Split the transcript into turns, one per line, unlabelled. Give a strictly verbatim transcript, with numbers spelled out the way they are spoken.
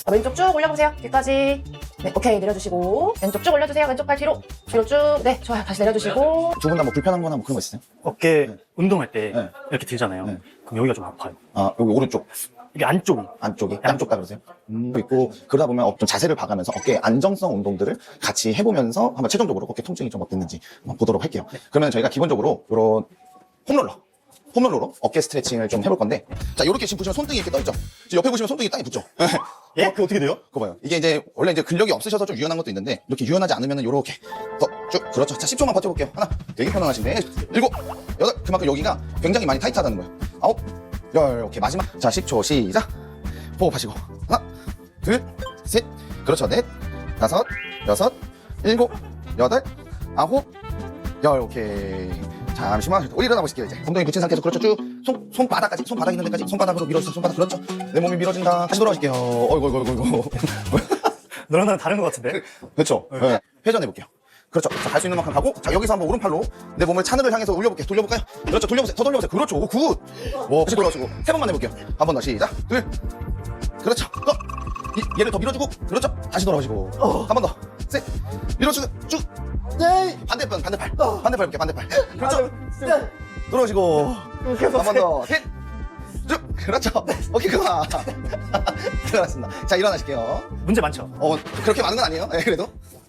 자, 왼쪽 쭉 올려보세요. 뒤까지. 네, 오케이. 내려주시고. 왼쪽 쭉 올려주세요. 왼쪽 팔 뒤로. 뒤로 쭉. 네, 좋아요. 다시 내려주시고.
두 분 다 뭐 불편한 거나 뭐 그런 거 있으세요?
어깨
네.
운동할 때
네.
이렇게 들잖아요.
네.
그럼 여기가 좀 아파요.
아, 여기 오른쪽,
이게 안쪽이.
안쪽이, 양쪽 다 그러세요? 음, 있고, 그러다 보면 좀 자세를 봐가면서 어깨 안정성 운동들을 같이 해보면서 한번 최종적으로 어깨 통증이 좀 어땠는지 한번 보도록 할게요. 그러면 저희가 기본적으로 이런 홈롤러, 홈롤러로 어깨 스트레칭을 좀 해볼 건데, 자, 이렇게 지금 보시면 손등이 이렇게 떠있죠? 지금 옆에 보시면 손등이 땅에 붙죠?
예? 그게 어떻게 돼요?
그거 봐요. 이게 이제 원래 이제 근력이 없으셔서 좀 유연한 것도 있는데 이렇게 유연하지 않으면 이렇게 더 쭉 그렇죠. 자, 십 초만 버텨볼게요. 하나, 되게 편안하신데 일곱, 여덟. 그만큼 여기가 굉장히 많이 타이트하다는 거예요. 아홉, 열. 오케이 마지막. 자, 십 초 시작. 호흡하시고 하나, 둘, 셋. 그렇죠. 넷, 다섯, 여섯, 일곱, 여덟, 아홉, 열. 오케이. 잠시만 우리 일어나 보실게요. 이제 엉덩이 붙인 상태에서 그렇죠. 쭉 손, 손바닥까지 손바닥 있는 데까지 손바닥으로 밀어주세요. 손바닥 그렇죠. 내 몸이 밀어진다. 다시 돌아가실게요. 어이구 어이구 어이구.
너랑 나랑 다른 것 같은데?
그렇죠. 네. 회전해 볼게요. 그렇죠. 자, 갈 수 있는 만큼 가고, 자, 여기서 한번 오른팔로 내 몸을 차늘을 향해서 올려볼게요. 돌려볼까요? 그렇죠. 돌려보세요. 더 돌려보세요. 그렇죠. 오, 굿. 오, 다시 돌아오시고, 세 번만 해볼게요. 한 번 더 시작. 둘. 그렇죠. 또. 이, 얘를 더 밀어주고, 그렇죠. 다시 돌아오시고, 한 번 더. 셋. 밀어주고, 쭉. 네. 반대편, 반대팔. 반대팔 볼게요. 반대팔. 그렇죠. 돌아오시고, 한 번 더. 셋. 쭉. 그렇죠. 오케이, 그만. 들어갔습니다. 자, 일어나실게요.
문제 많죠?
어, 그렇게 많은 건 아니에요. 네, 그래도.